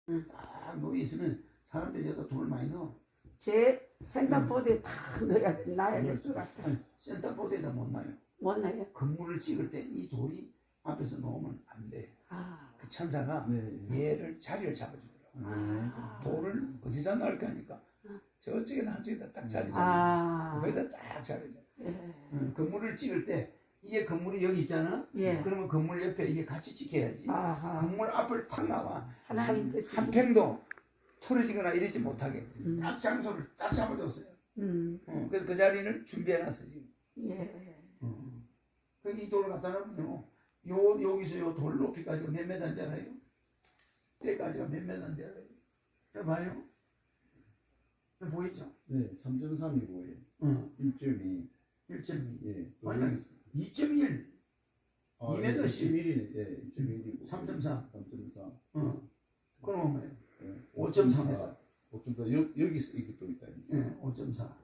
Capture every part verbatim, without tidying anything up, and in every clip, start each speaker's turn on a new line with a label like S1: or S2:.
S1: 응.
S2: 딱 놓여 있으면 사람들이 여기다 돈을 많이 넣어.
S1: 제 센터보드에 다 넣어야 돼. 놔야 될 것 같아.
S2: 아니, 센터보드에다 못 놔요.
S1: 못 놔요?
S2: 건물을 찍을 때 이 돌이 앞에서 놓으면 안 돼.
S1: 아,
S2: 그 천사가
S3: 네.
S2: 얘를 자리를 잡아주더라고.
S3: 네.
S2: 돌을 어디다 넣을까 하니까 저쪽에다 한쪽에다 딱 자리 잡아.
S1: 아,
S2: 거기다 딱 자리 잡아.
S1: 예.
S2: 응, 건물을 찍을 때 이게 건물이 여기 있잖아.
S1: 예.
S2: 그러면 건물 옆에 이게 같이 찍혀야지.
S1: 아하.
S2: 건물 앞을 탁 나와.
S1: 하나님 뜻이.
S2: 한 팽도 틀어지거나 이러지 못하게
S1: 음.
S2: 딱 장소를 딱 잡아줬어요.
S1: 음,
S2: 어, 그래서 그 자리를 준비해놨어 지금.
S1: 예.
S2: 어. 그이 돌을 갖다 놓으면요. 요 여기서 요 돌 높이까지가 몇 메다인지 알아요? 때까지가 몇 메다인지 알아요? 해봐요. 보이죠?
S3: 네, 삼 점 삼이고
S2: 어.
S3: 일 점 이.
S2: 일 점 이.
S3: 예.
S2: 아니 이 점 일.
S3: 아,
S2: 이 미터씩.
S3: 일 점 일이네. 예, 일 점 일이고.
S2: 삼 점 사.
S3: 삼 점 사.
S2: 어. 그럼 뭐예요?
S3: 예.
S2: 오 점 삼 메다.
S3: 오 점 사. 여, 여기서 이렇게 또 있다.
S2: 예, 오 점 사.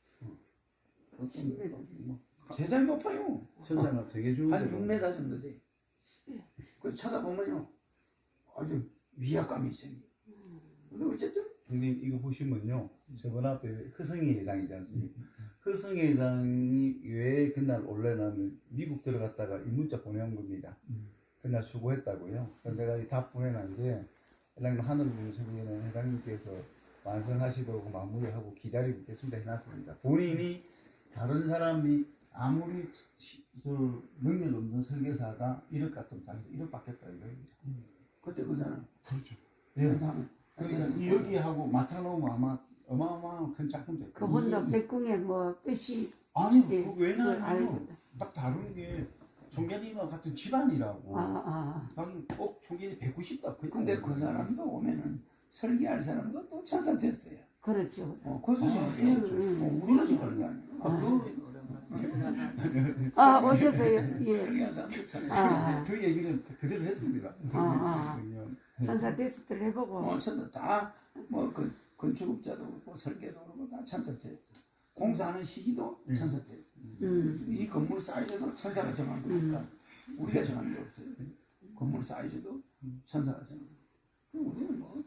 S1: 십 미터.
S2: 대단히 높아요.
S3: 천사가 되게 좋은
S2: 한 육 미터 정도 돼. 그 쳐다보면요. 아주 위압감이 생겨. 근데 어쨌든
S3: 형님 이거 보시면요. 저번 앞에 허성희 회장이지 않습니까? 허성희 회장이 왜 그날 올려놓으면 미국 들어갔다가 이 문자 보내온 겁니다.
S2: 음.
S3: 그날 수고했다고요. 그래서 내가 이 답 보내놨는데 회장님 하늘 분석에는 회장님께서 완성하시도록 마무리하고 기다리고 있겠습니다 해놨습니다. 본인이 다른 사람이 아무리 시- 저 능력 없는 설계사가 일억 같으면 자기도 일억 받겠다 이거입니다.
S2: 그때 그 사람.
S3: 그렇죠. 예.
S2: 그다음에
S3: 그러니까 이 여기하고 맞춰놓으면 아마 어마어마한 큰 작품 될 거예요.
S1: 그분도 백궁에 뭐 뜻이
S3: 아니,
S1: 예,
S3: 그
S1: 그걸
S3: 왜냐하면
S1: 알고.
S3: 딱 다른 게 종견이와 같은 집안이라고.
S1: 아, 아.
S3: 자기 꼭 종견이 백구십다.
S2: 근데 그 사람도 오면은 설계할 사람도 또 천사 테스트야.
S1: 그렇죠.
S2: 어, 그 수준이
S3: 아,
S2: 아,
S1: 음,
S2: 어, 우리가 지금 게 아니야.
S3: 아, 그,
S1: 아, 오셨어요. 예.
S2: 설계한 사람도 천사.
S1: 아,
S3: 그 얘기는 그대로 했습니다.
S1: 아, 아.
S3: 그냥
S1: 천사 테스트를 해보고.
S2: 어, 천사 다뭐 그 건축업자도 그렇고 설계도 그렇고 다 천사 테스트. 공사하는 시기도
S3: 음.
S2: 천사 테스트.
S1: 음,
S2: 이 건물 사이즈도 천사가 정한 거니까 우리가 정한 게 없어요. 건물 사이즈도 천사가 정한 거. 그럼 우리는 뭐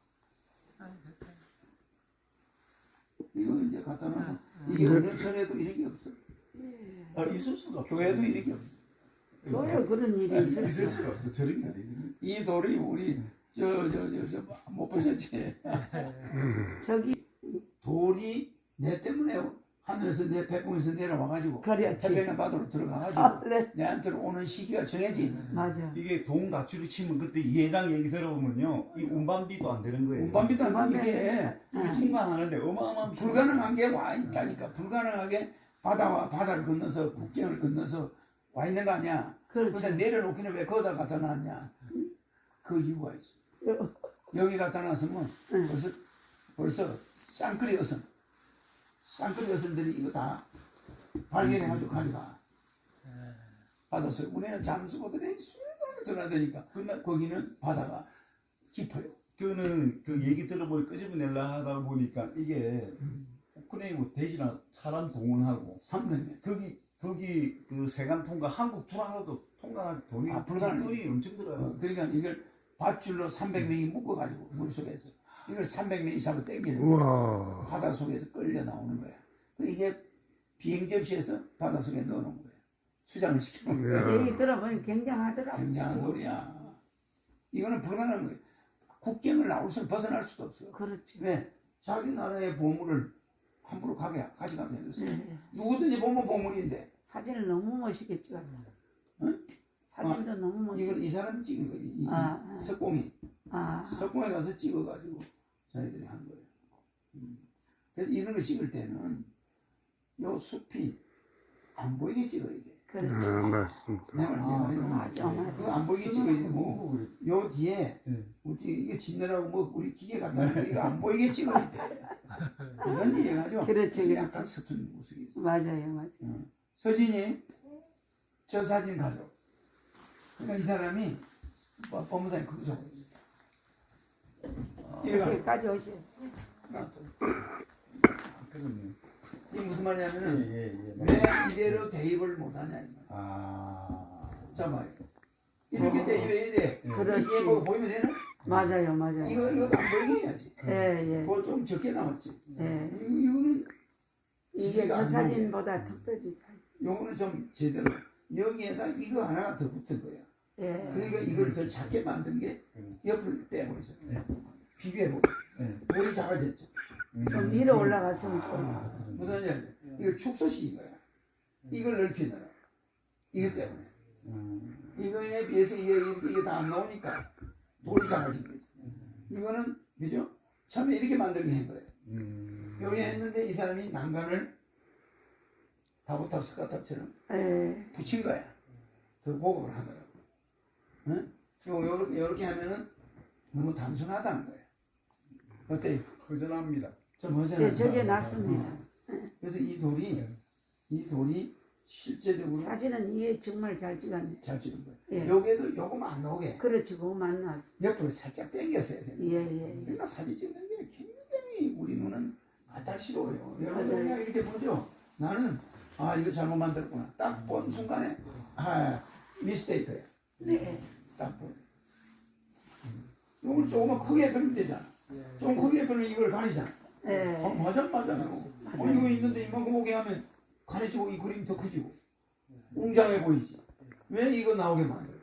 S2: 이거 이제 갖다 놓으면 이게 어느 천에도 이런 게 없어.
S3: 아, 있을 수가 없어.
S2: 교회도 이런 게 없어.
S1: 교회 그런 일이
S3: 있을
S1: 있었어요.
S3: 수가 없어. 저런 게 아니지.
S2: 이 돌이 우리 저 저 저 저 못 보셨지?
S1: 저기
S2: 돌이 내 때문에 하늘에서 내 백궁에서 내려와가지고
S1: 그렇지.
S2: 태평양 바다로 들어가가지고
S1: 아, 네.
S2: 내한테 오는 시기가 정해져 있는.
S1: 맞아.
S3: 이게 돈 가치로 치면 그때 이 회장 얘기 들어보면요, 이 운반비도 안 되는 거예요.
S2: 운반비도 안
S1: 운반비
S2: 이게
S1: 응.
S3: 통관하는데 어마어마한 비-
S2: 불가능한 게 와 있다니까. 불가능하게 바다와 바다를 건너서 국경을 건너서 와 있는 거 아니야.
S1: 그렇죠.
S2: 근데 내려놓기는 왜 거기다 갖다 놨냐? 그 이유가 있어. 여기 갖다 놨으면
S1: 응.
S2: 벌써 벌써 쌍끌이 어선 쌍끌이 어선들이 이거 다 발견해가지고 가져가. 받았어요. 우리는 잠수보들이 순간을 전화되니까 근데 거기는 바다가 깊어요.
S3: 그는 그 얘기 들어보니 끄집어내려 하다 보니까 이게 우크라이나 대신한 사람 동원하고
S2: 삼백 년.
S3: 거기 거기 그 세관 통과 한국 들어가도 통과할 돈이
S2: 아, 불가능해.
S3: 돈이 엄청 들어요.
S2: 어, 그러니까 이걸 밧줄로 삼백 명이 묶어가지고 물속에서 이걸 삼백 명이 잡아 당기는 거야. 바다 속에서 끌려 나오는 거야. 그 이게 비행 접시에서 바다 속에 넣어놓은 거야. 수장을 시켜놓은 거야.
S1: 얘기 들어보니 굉장하더라고.
S2: 굉장한 놀이야. 이거는 불가능한 거야. 국경을 나올 수 벗어날 수도 없어.
S1: 그렇지.
S2: 왜? 자기 나라의 보물을 함부로 가게 가져가면 되겠어.
S1: 네.
S2: 누구든지 보면 보물인데
S1: 사진을 너무 멋있게 찍었다.
S2: 응?
S1: 사진도 너무 멋지게.
S2: 이걸 이 사람이 찍은 거야. 이, 이
S1: 아, 아.
S2: 석공이
S1: 아,
S2: 석공에 가서 찍어가지고 저희들이 한 거예요. 음. 그래서 이런 거 찍을 때는 요 숲이 안 보이게 찍어야 돼.
S1: 그렇지.
S4: 아, 맞습니다.
S2: 내 말이
S1: 아, 맞아, 맞아.
S2: 그거 안 보이게 찍어야 되고 요 뒤에
S3: 네.
S2: 어떻게 이게 진내라고 뭐 우리 기계 갖다 놓고 이거 안 보이게 찍어야 돼. 그런 얘기가죠.
S1: 그렇지,
S2: 약간
S1: 그렇지.
S2: 서툰 모습이 있어.
S1: 맞아요, 맞아요.
S2: 어. 서진이 저 사진 가져. 그러니까 이 사람이 뭐, 법무사님 그거 적어. 얘가
S1: 여기까지 오세요.
S3: 그러네.
S2: 이게 무슨 말이냐면은
S3: 예, 예, 예.
S2: 왜 이대로 대입을 못하냐 이 말.
S3: 아.
S2: 잠깐만. 이렇게 대입해야 돼.
S3: 예.
S1: 그렇지.
S2: 이게 뭐 보이면 되나?
S1: 맞아요, 맞아요.
S2: 이거 이거 안 보이게 해야지.
S1: 예, 예.
S2: 그거 좀 적게 나왔지.
S1: 예.
S2: 이거, 이거는
S1: 이게
S2: 지게가
S1: 저
S2: 안
S1: 사진보다 특별히 잘.
S2: 요거는 좀 제대로 여기에다 이거 하나가 더 붙은 거야.
S1: 예.
S2: 그러니까 이걸 더 작게 만든 게 옆을 빼고 있어.
S3: 네.
S2: 비교해보고
S3: 네.
S2: 돌이 작아졌죠.
S1: 좀 위로 올라갔으면 좋
S2: 아, 무슨 말이냐? 이거 축소식인 거야. 이걸 넓히느라. 이것 때문에.
S3: 음.
S2: 이거에 비해서 이게, 이게 다 안 나오니까 돌이 작아진 거지. 이거는, 그죠? 처음에 이렇게 만들게 한 거예요.
S3: 음.
S2: 요렇게 했는데 이 사람이 난간을 다보탑 스카탑처럼
S1: 예.
S2: 붙인 거야. 더 보급을 하더라고. 응? 요, 요렇게, 요렇게 하면은 너무 단순하다는 거예요. 어때요?
S3: 허전합니다.
S2: 좀 허전하죠?
S1: 예, 저게 낫습니다.
S2: 그래서 이 돌이, 이 돌이 실제적으로
S1: 사진은 이게 정말 잘 찍었네.
S2: 잘 찍은 거예요.
S1: 예.
S2: 여기에도 요거만 안 나오게
S1: 그렇지, 그거 만났어.
S2: 옆으로 살짝 당겼어야 돼요.
S1: 예, 예.
S2: 그러니까 사진 찍는 게 굉장히 우리 눈은 까탈스러워요. 여러분
S1: 맞아요.
S2: 그냥 이렇게 보죠. 나는 아 이거 잘못 만들었구나. 딱 본 순간에 아 미스테이크야.
S1: 네.
S2: 딱 보여. 이걸 조금만 크게 그리면 되잖아. 좀 크게 그리면 이걸 가리잖아.
S1: 예.
S2: 어, 맞아 맞아요. 어, 이거 있는데 이만큼 오게 하면 가려지고 이 그림이 더 커지고 웅장해 보이지. 왜 이거 나오게 만들어?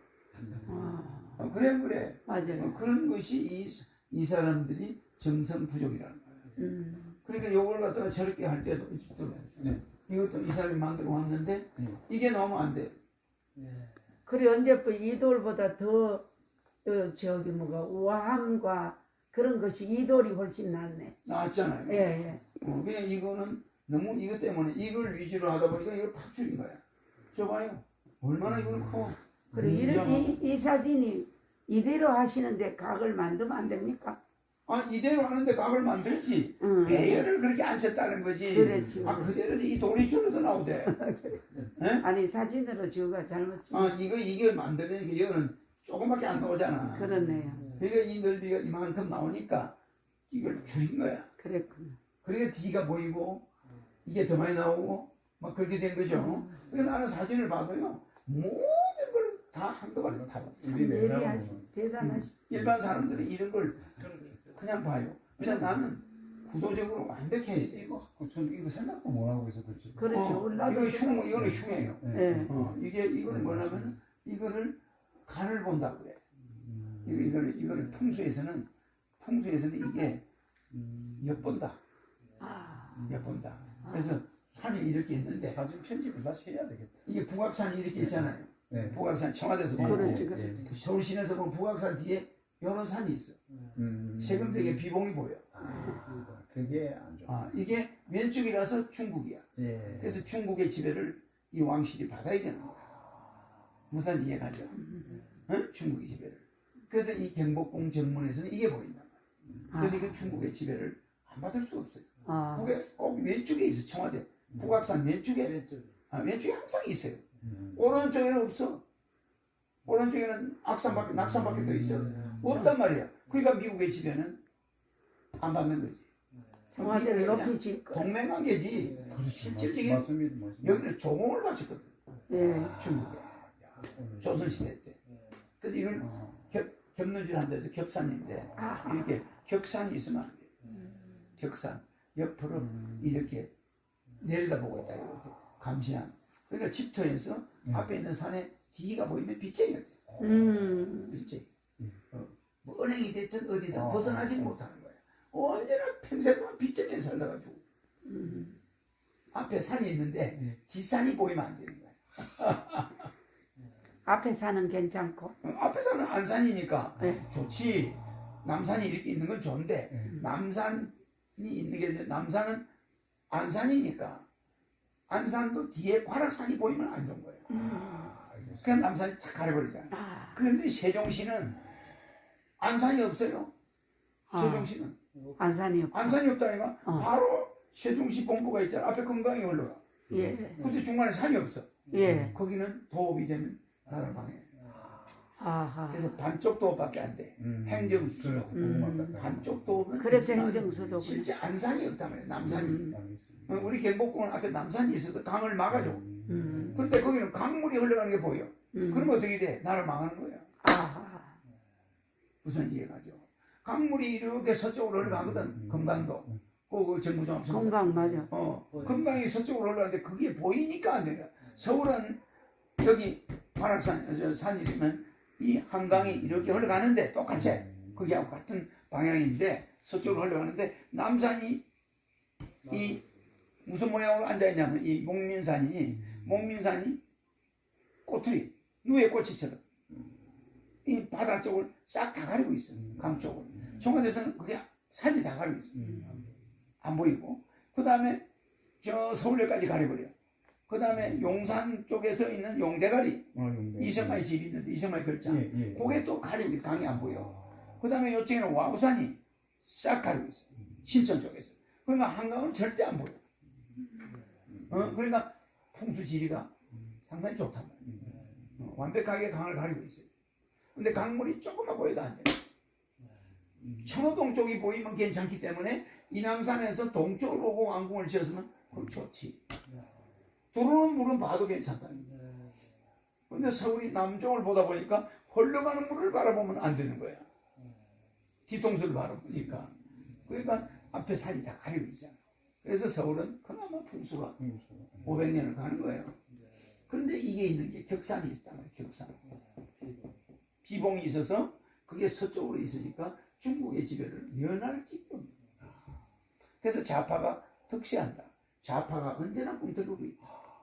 S1: 아,
S2: 어, 그래 그래.
S1: 맞아요.
S2: 어, 그런 것이 이, 이 사람들이 정성 부족이라는 거예요.
S1: 음.
S2: 그러니까 요걸 갖다가 저렇게 할 때도 있더라고요.
S3: 네.
S2: 이것도 이 사람이 만들어 왔는데
S3: 네.
S2: 이게 나오면 안 돼.
S1: 그래, 언제부 이 돌보다 더, 어, 저기 뭐가, 우아함과 그런 것이 이 돌이 훨씬 낫네.
S2: 나왔잖아요.
S1: 예, 예.
S2: 어, 그냥 이거는 너무 이것 때문에 이걸 위주로 하다 보니까 이걸 팍 줄인 거야. 저 봐요. 얼마나 이거는 커.
S1: 그래, 이,
S2: 웅장하고.
S1: 이, 이 사진이 이대로 하시는데 각을 만들면 안 됩니까?
S2: 아 이대로 하는데 각을 만들지.
S1: 응.
S2: 배열을 그렇게 안 쳤다는 거지.
S1: 그렇지.
S2: 아 그대로 이 돌이 줄어도 나오대.
S1: 아니, 사진으로 지우가 잘못 찍
S2: 아 이거 이걸 만드는 게 이거는 조금밖에 안 나오잖아.
S1: 그렇네요.
S2: 그러니까 이 넓이가 이만큼 나오니까 이걸 줄인 거야.
S1: 그랬구나.
S2: 그러니까 뒤가 보이고 이게 더 많이 나오고 막 그렇게 된 거죠. 그러니까 나는 사진을 봐도요 모든 걸 다 한꺼번에 다 봐.
S1: 참
S3: 우리 내라고
S1: 예리하시, 대단하시.
S2: 일반 사람들은 이런 걸 그냥 봐요. 그냥 나는 구도적으로 완벽해야 돼.
S3: 이거 전 이거 생각도 못 하고 있어 그렇지.
S1: 그렇지.
S2: 어,
S1: 올라도
S2: 이거 흉, 이거는 흉해요.
S1: 예.
S2: 어, 이게 이거는 뭐냐면 이거를 간을 본다고 그래. 이거 이거를 이거를 풍수에서는 풍수에서는 이게 엿본다.
S1: 아,
S2: 엿본다. 그래서 산이 이렇게 있는데
S3: 사진 편집을 다시 해야 되겠다.
S2: 이게 북악산이 이렇게 있잖아요.
S3: 네.
S2: 북악산 청와대에서
S3: 네,
S2: 보면
S1: 그렇지,
S3: 네,
S1: 그렇지.
S3: 네.
S2: 서울시내에서 보면 북악산 뒤에 여러 산이 있어.
S3: 음.
S2: 세금되게 비봉이 보여.
S3: 아, 그게 안 좋아.
S2: 아, 이게 왼쪽이라서 중국이야.
S3: 예.
S2: 그래서 중국의 지배를 이 왕실이 받아야 되는 거야. 무슨 이해가죠? 응? 중국의 지배를. 그래서 이 경복궁 정문에서는 이게 보인다. 그래서 이게 중국의 지배를 안 받을 수 없어요.
S1: 아,
S2: 북에 꼭 왼쪽에 있어 청와대. 북악산 왼쪽에 아, 왼쪽에 항상 있어요.
S3: 음.
S2: 오른쪽에는 없어. 오른쪽에는 악산밖에 낙산밖에 더 있어. 없단 말이야. 그러니까 미국의 지배는 안 받는 거지.
S1: 청와대를
S2: 미국은 그냥
S1: 높이 질 거.
S2: 동맹관계지.
S3: 그렇지.
S2: 실질적인
S3: 맞습니다. 맞습니다.
S2: 여기는 조공을 바쳤거든.
S1: 예.
S2: 중국에. 조선시대 때. 그래서 이걸 겹, 겹는줄 한다 해서 겹산인데
S1: 아.
S2: 이렇게 격산이 있으면 안 돼. 격산. 옆으로 이렇게 내려다보고 있다. 이렇게 감시한. 그러니까 집터에서 앞에 있는 산에 뒤가 보이면 빗쟁이가 돼.
S1: 음,
S2: 빗쟁이. 어, 뭐 은행이 됐든 어디든
S3: 어.
S2: 벗어나지 못하는 거야. 언제나 평생 동안 빗쟁이에 살다가지고.
S1: 음.
S2: 앞에 산이 있는데 뒷산이 보이면 안 되는 거야.
S1: 앞에 사는 괜찮고.
S2: 어, 앞에 산은 안산이니까
S1: 네.
S2: 좋지. 남산이 이렇게 있는 건 좋은데 남산이 있는 게 이제 남산은 안산이니까 안산도 뒤에 관악산이 보이면 안 좋은 거예요. 그냥 남산이 탁 가려버리잖아요.
S1: 아,
S2: 그런데 세종시는 안산이 없어요.
S1: 아.
S2: 세종시는
S1: 안산이 없고.
S2: 안산이 없다니까
S1: 어.
S2: 바로 세종시 본부가 있잖아. 앞에 금강이 올라가.
S1: 예.
S2: 근데 중간에 산이 없어.
S1: 예.
S2: 거기는 도읍이 되면 나를 방해.
S1: 아하.
S2: 그래서 반쪽 도읍밖에 안 돼.
S3: 음.
S2: 행정수.
S3: 그래서
S1: 음.
S3: 그거 맞다.
S2: 반쪽 도읍은
S1: 그래서
S2: 있지만
S1: 행정수도구나.
S2: 실제 안산이 없단 말이야. 남산이.
S1: 음.
S2: 어, 우리 경복궁은 앞에 남산이 있어서 강을 막아줘.
S1: 음.
S2: 근데 거기는 강물이 흘러가는 게 보여.
S1: 음.
S2: 그러면 어떻게 돼? 나를 망하는 거야.
S1: 아하.
S2: 우선 이해가죠. 강물이 이렇게 서쪽으로 흘러가거든. 금강도. 그 정부종
S1: 건강 맞아.
S2: 어, 금강이 서쪽으로 흘러가는데 그게 보이니까 안 돼요. 서울은 여기 관악산 저 산이 있으면 이 한강이 이렇게 흘러가는데 똑같이 거기하고 같은 방향인데 서쪽으로 흘러가는데 남산이 이 무슨 모양으로 앉아있냐면 이 목민산이 목민산이 꼬투리 누에 꼬치처럼 이 바다 쪽을 싹 다 가리고 있어요. 강 쪽을. 청와대에서는 그게 산이 다 가리고 있어요. 안 보이고 그 다음에 저 서울역까지 가려버려. 그 다음에 용산 쪽에서 있는 용대가리
S3: 어, 용대.
S2: 이성만의 집이 있는데 이성만의 별장
S3: 예, 예.
S2: 그게 또 가리고 강이 안 보여. 그 다음에 이쪽에는 와우산이 싹 가리고 있어. 신천 쪽에서. 그러니까 한강은 절대 안 보여. 어, 그러니까 풍수 지리가 상당히 좋단 말이야. 어, 완벽하게 강을 가리고 있어요. 근데 강물이 조금만 보여도 안 돼. 천호동 쪽이 보이면 괜찮기 때문에 인왕산에서 동쪽으로 오고 왕궁을 지었으면 그건 좋지. 들어오는 물은 봐도 괜찮다. 근데 서울이 남쪽을 보다 보니까 흘러가는 물을 바라보면 안 되는 거야. 뒤통수를 바라보니까. 그러니까 앞에 산이 다 가리고 있잖아. 그래서 서울은 그나마 풍수가 오백 년을 가는 거예요. 그런데 이게 있는 게 격산이 있단 말이야. 격산. 비봉이 있어서 그게 서쪽으로 있으니까 중국의 지배를 면할 기쁨. 그래서 좌파가 득세한다. 좌파가 언제나 꿈틀거리고 있다.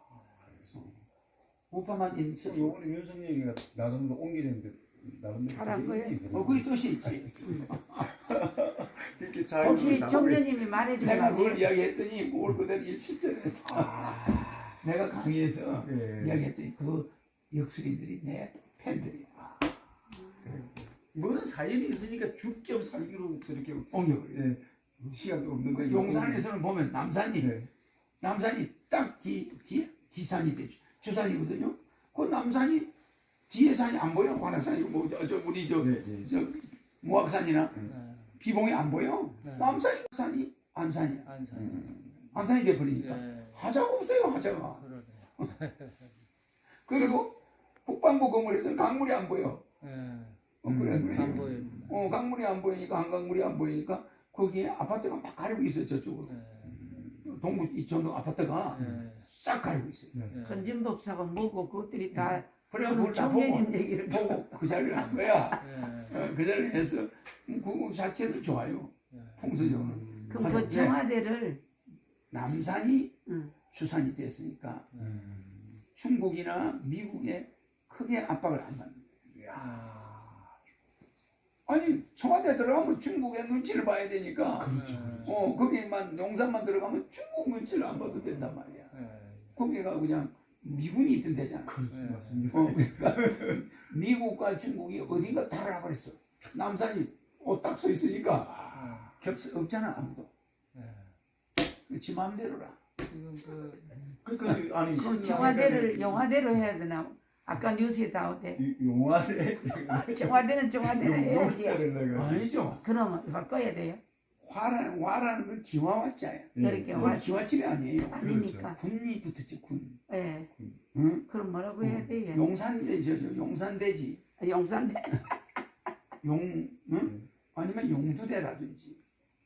S2: 우파만 있는 서쪽.
S3: 요번에 윤석열이가 나름대로 옮기는데 나름대로
S1: 잘한 거예요?
S2: 어, 거기 뜻이 있지.
S3: 이렇게 잘
S1: 혹시
S3: 잡고
S1: 정년님이 말해준
S2: 내가 그걸
S1: 거지?
S2: 이야기했더니 그걸 그대로 일실전했어. 내가 강의에서
S3: 예.
S2: 이야기했더니 그 역술인들이 내 팬들이야.
S3: 뭐는 사연이 있으니까 죽겸 살기로 저렇게
S2: 옹격을.
S3: 예, 시간도 없는
S2: 그
S3: 거
S2: 용산에서는 보면 남산이
S3: 네.
S2: 남산이 딱 뒤, 뒤, 뒤산이 돼. 주산이거든요. 그 남산이 뒤에 산이 안 보여. 관악산이고 뭐, 저, 저 우리 저,
S3: 네, 네.
S2: 저 무악산이나
S4: 네.
S2: 비봉이 안 보여.
S4: 네.
S2: 남산이 산이 안산이야.
S4: 안산.
S3: 음.
S2: 안산이 돼버리니까
S4: 예.
S2: 하자가 없어요. 하자가.
S4: 그러네.
S2: 그리고 국방부 건물에서는 강물이 안 보여.
S4: 예.
S2: 어, 그래, 그래.
S4: 안 보입니다.
S2: 어, 강물이 안 보이니까 한강물이 안 보이니까 거기에 아파트가 막 가리고 있어요. 저쪽으로.
S4: 예.
S2: 동부 이천동 아파트가
S4: 예.
S2: 싹 가리고 있어요.
S4: 예.
S1: 건진법사가 뭐고 그것들이 다
S2: 그래,
S1: 그런
S2: 그걸 다 보고,
S1: 청년님 얘기를
S2: 보고 그 자리를 한 거야.
S4: 예.
S2: 어, 그 자리를 해서 그 자체는 좋아요.
S4: 예.
S2: 풍수적으로.
S1: 그럼
S2: 맞아.
S1: 그 청와대를
S2: 남산이
S1: 응.
S2: 주산이 됐으니까
S3: 음.
S2: 중국이나 미국에 크게 압박을 안 받는 거예요.
S4: 아.
S2: 아니 청와대 들어가면 중국의 눈치를 봐야 되니까
S3: 그렇죠.
S2: 어 거기만 용산만 들어가면 중국 눈치를 안 봐도 된단 말이야.
S4: 예.
S2: 거기가 그냥 미군이 있던 데잖아.
S3: 그렇죠.
S4: 네.
S3: 맞습니다.
S2: 어, 그러니까 미국과 중국이 어딘가 다르라 그랬어. 남산이 옷딱 서 있으니까 겹스 없잖아 아무도.
S4: 예.
S2: 지 마음대로라.
S4: 지금 그
S3: 그러니까 아니
S1: 그럼 청와대를 영화대로 해야 되나? 아까 뉴스에 나오대.
S3: 용화대
S1: 청와대는 청와대로 해야지.
S3: 용화대를 내가
S2: 아니죠.
S1: 그러면 바꿔야 돼요?
S2: 화라는 와라는 건 기와와자야.
S1: 그렇게
S2: 그건
S1: 화
S2: 기와집이 아니에요.
S1: 아니니까.
S2: 군이 붙었지 군.
S1: 예.
S2: 응?
S1: 그럼 뭐라고 해야 돼요?
S2: 용산대지, 저 용산대지.
S1: 용산대.
S2: 용, 응? 아니면 용두대라든지.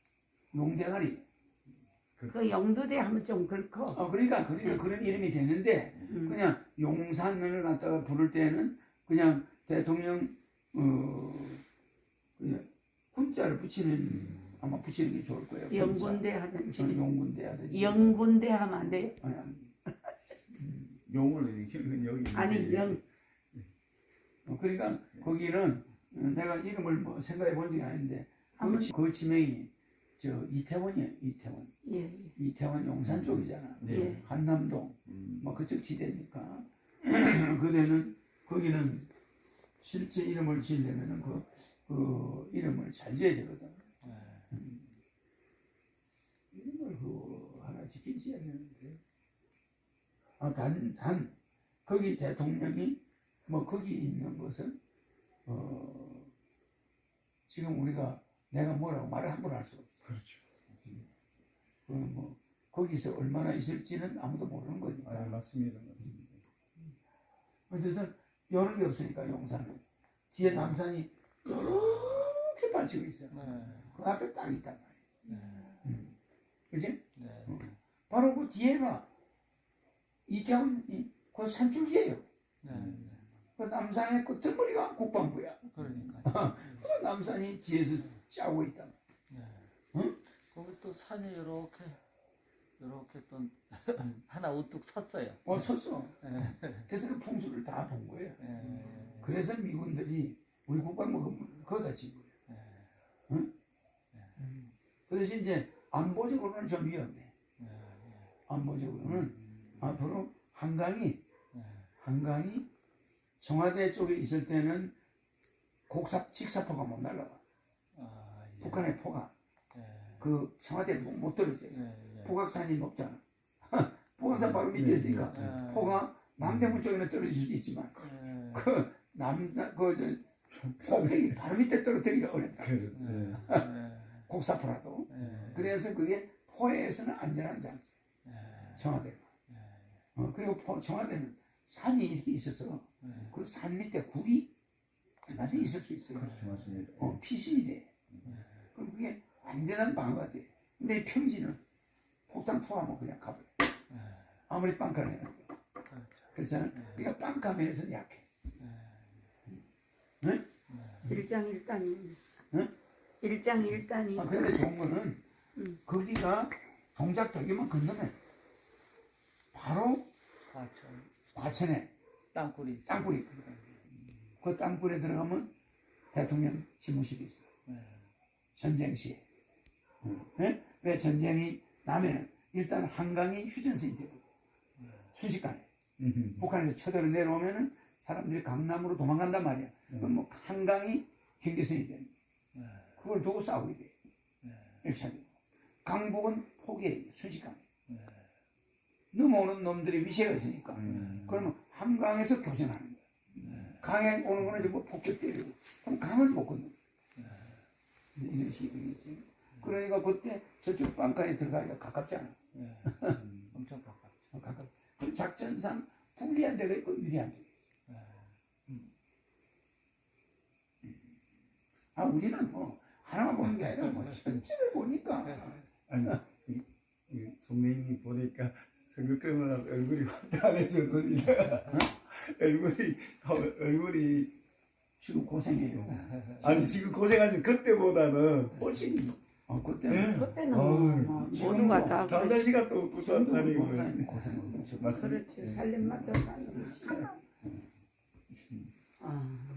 S2: 용대가리.
S1: 그 영도대 하면 좀 그렇고.
S2: 어, 그러니까, 그러니까 그런 이름이 되는데,
S1: 음.
S2: 그냥 용산을 갖다가 부를 때는 그냥 대통령, 어, 그냥 군자를 붙이는, 아마 붙이는 게 좋을 거예요.
S1: 영군대
S2: 군자.
S1: 하든지.
S2: 어, 용군대 하든지.
S1: 영군대 하면 안 돼요?
S2: 아니, 아니.
S3: 용을 이렇게 여기
S1: 아니 영
S2: 어, 그러니까 거기는 어, 내가 이름을 뭐 생각해 본 적이 아닌데 그,
S1: 아무-
S2: 지- 그 지명이 저 이태원이에요. 이태원.
S1: 예, 예.
S2: 이태원 용산 쪽이잖아.
S1: 예.
S2: 한남동
S3: 음.
S2: 뭐 그쪽 지대니까 그대는 거기는 실제 이름을 지으려면은 그, 그 이름을 잘 지어야 되거든. 음. 이름을 그 하나 짓긴 지어야 되는데 아, 단, 단 거기 대통령이 뭐 거기 있는 것은 어 지금 우리가 내가 뭐라고 말을 함부로 할 수 없어.
S3: 그렇죠.
S2: 그 뭐 거기서 얼마나 있을지는 아무도 모르는 거니까.
S3: 아 맞습니다. 맞습니다.
S2: 어쨌든 여러 개 없으니까 용산은 뒤에 남산이 이렇게 받치고 있어.
S4: 네.
S2: 그 앞에 딱 있단 말이야.
S4: 네.
S2: 음. 그지?
S4: 네.
S2: 바로 그 뒤에가 이태원 이- 그 산줄기예요.
S4: 네.
S2: 그 남산의 끝머리가 국방부야.
S4: 그러니까.
S2: 그 남산이 뒤에서 짜고 있다.
S4: 네.
S2: 응?
S4: 거기 또 산이 이렇게 이렇게 또 하나 우뚝 섰어요.
S2: 어 섰어.
S4: 네.
S2: 그래서 그 풍수를 다 본 거예요.
S4: 네.
S2: 그래서 미군들이 우리 국방부 거기다 진 거예요.
S4: 네.
S2: 응? 그 대신 이제 안보적으로는 좀 위험해.
S4: 네.
S2: 안보적으로는 앞으로 한강이
S4: 네.
S2: 한강이 청와대 쪽에 있을 때는 곡삽 직사포가 못 날라가.
S4: 아, 예.
S2: 북한의 포가
S4: 예.
S2: 그 청와대 못, 못 떨어져요.
S4: 예. 예.
S2: 북악산이 높잖아. 북악산 바로 밑에 있으니까
S4: 예.
S2: 포가 남대문 쪽에는 떨어질 수 있지만
S4: 예.
S2: 그 그남그저 폭격이 바로 밑에 떨어뜨리기 어렵다.
S3: 그래.
S4: 예.
S3: 네.
S4: 예.
S2: 곡사포라도.
S4: 예.
S2: 그래서 그게 포에서는 안전한 장소.
S4: 예.
S2: 청와대가. 어, 그리고 포, 청와대는 산이 이렇게 있어서
S4: 예.
S2: 그 산 밑에 굴이 얼마든지 있을 수 있어요.
S3: 그렇죠, 맞습니다.
S2: 어, 피신이 돼. 그럼 그게 완전한 방어가 돼. 근데 이 평지는 폭탄 투하면 그냥 가버려. 아무리 빵카를 해도.
S4: 그렇죠.
S2: 그래서 그러니까 빵카면에서는 약해.
S4: 예.
S2: 응?
S1: 일장일단이.
S2: 응?
S1: 일장일단이.
S2: 아, 근데 좋은 거는
S1: 음.
S2: 거기가 동작대교만 건너면 바로
S4: 과천
S2: 과천에
S4: 땅굴이
S2: 땅굴이 있거든. 그 땅굴에 들어가면 대통령 집무실이 있어.
S4: 예.
S2: 전쟁 시에. 네? 왜 전쟁이 나면은 일단 한강이 휴전선이 되고 순식간에
S3: 음.
S2: 북한에서 쳐들어 내려오면은 사람들이 강남으로 도망간단 말이야. 그럼 뭐 한강이 경계선이 되는 거야. 그걸 두고 싸우게 돼. 일 차적으로. 강북은 포기해 순식간에. 넘어오는 놈들이 위세가 있으니까.
S3: 음.
S2: 그러면 한강에서 교전하는 거야. 강에 오는 거는 이제 뭐 폭격 때리고. 그럼 강은 못 건너. 이런 식이 되겠지. 그러니까 그때 저쪽 방가에 들어가기가 가깝지 않아.
S4: 예. 엄청 가깝죠.
S2: 어, 가깝. 그럼 작전상 불리한 데가 있고 유리한 데가 있고. 음. 아, 우리는 뭐 하나만 보는 게 아니라 뭐 전체를 보니까.
S3: 아니, 이, 이 선배님이 보니까 선거 끝나고 얼굴이 환해졌습니다. 얼굴이 얼굴이
S2: 지금 고생해요.
S3: 아니 지금 고생하신 그때보다는
S2: 훨씬. 어, 그때
S3: 네.
S1: 그때는
S3: 어우,
S1: 뭐
S2: 지금도
S1: 모두가 다
S3: 잠잘
S1: 그랬지.
S3: 시간도 없고
S2: 지금도
S3: 다니고
S2: 고생 고생하고.
S3: 맞습니다.
S1: 그렇지. 살림마다 사는 거지. 아.